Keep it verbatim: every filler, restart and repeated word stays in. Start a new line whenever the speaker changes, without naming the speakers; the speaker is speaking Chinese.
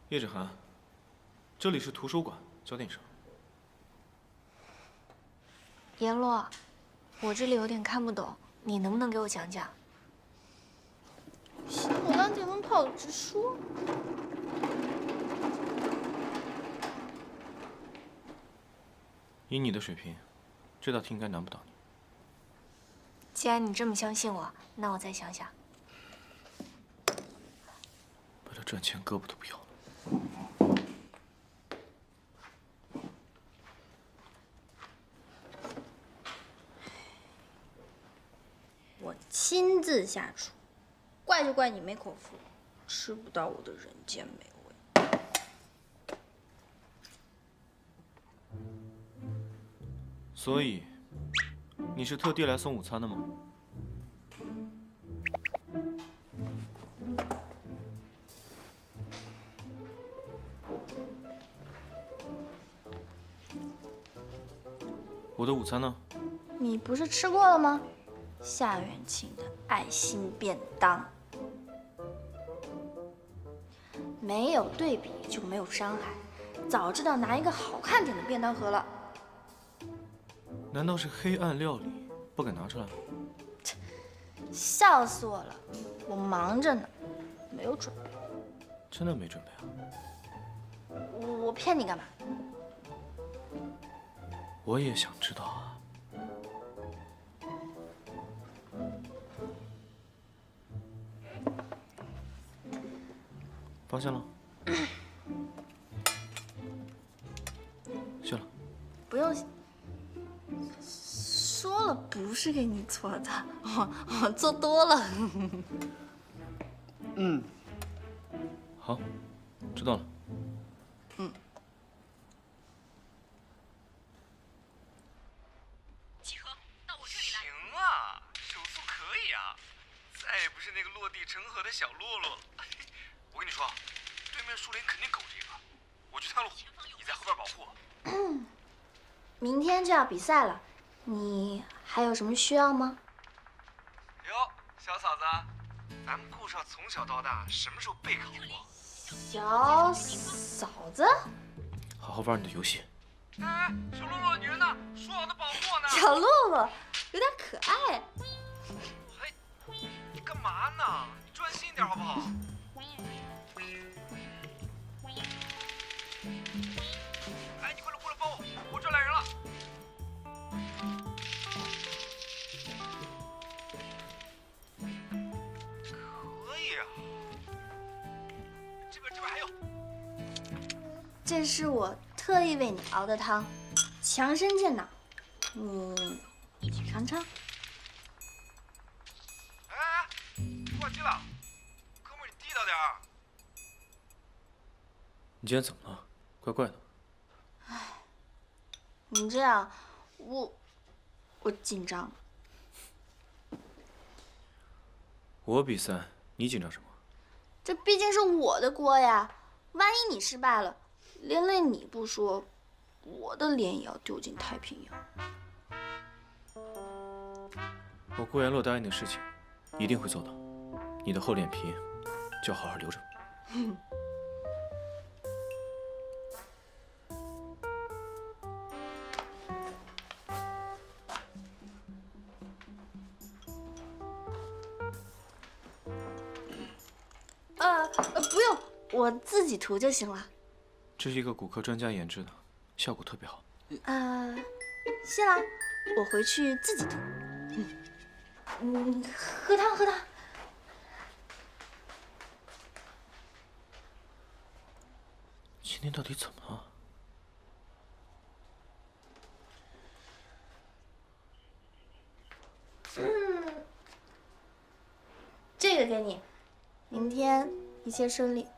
叶芷涵，这里是图书馆，教点声。
阎罗，我这里有点看不懂，你能不能给我讲讲？
小当电灯泡直说。
以你的水平，这道题应该难不倒你。
既然你这么相信我，那我再想想。
为了赚钱，胳膊都不要了。
我亲自下厨，怪就怪你没口福，吃不到我的人间美味。
所以，你是特地来送午餐的吗？我的午餐呢？
你不是吃过了吗？ 夏元庆的爱心便当，没有对比就没有伤害。早知道拿一个好看点的便当盒了。
难道是黑暗料理，不敢拿出来？
笑死我了！我忙着呢，没有准备。
真的没准备啊？
我我骗你干嘛？
我也想知道啊。 放下了，谢了。
不用谢。说了不是给你做的，我我做多了。
嗯，
好，知道了。
嗯。
集合，到我这里来。
行啊，手速可以啊，再也不是那个落地成盒的小洛洛了。我跟你说，对面树林肯定狗这个，我去探路，你在后边保护。
明天就要比赛了，你还有什么需要吗？
哟，小嫂子，咱们顾少从小到大什么时候备考过？
小嫂子，
好好玩你的游戏。
哎，小洛洛，你人呢？说好的保护我呢？
小洛洛有点可爱。
嘿，你干嘛呢？你专心一点好不好？ 哎，你快来过来帮我，我这来人了。可以啊，这边这边还有。
这是我特意为你熬的汤，强身健脑，你尝尝。
哎哎，挂机了，哥们儿你地道点儿。
你今天怎么了？怪怪的。
你这样，我我紧张。
我比赛，你紧张什么？
这毕竟是我的锅呀，万一你失败了，连累你不说，我的脸也要丢进太平洋。
我顾言洛答应的事情，一定会做到。你的厚脸皮，就好好留着。
呃呃，不用，我自己涂就行了。
这是一个骨科专家研制的，效果特别好。
呃，谢啦，我回去自己涂。嗯，喝汤喝汤。
今天到底怎么了？
嗯，这个给你，明天一切顺利。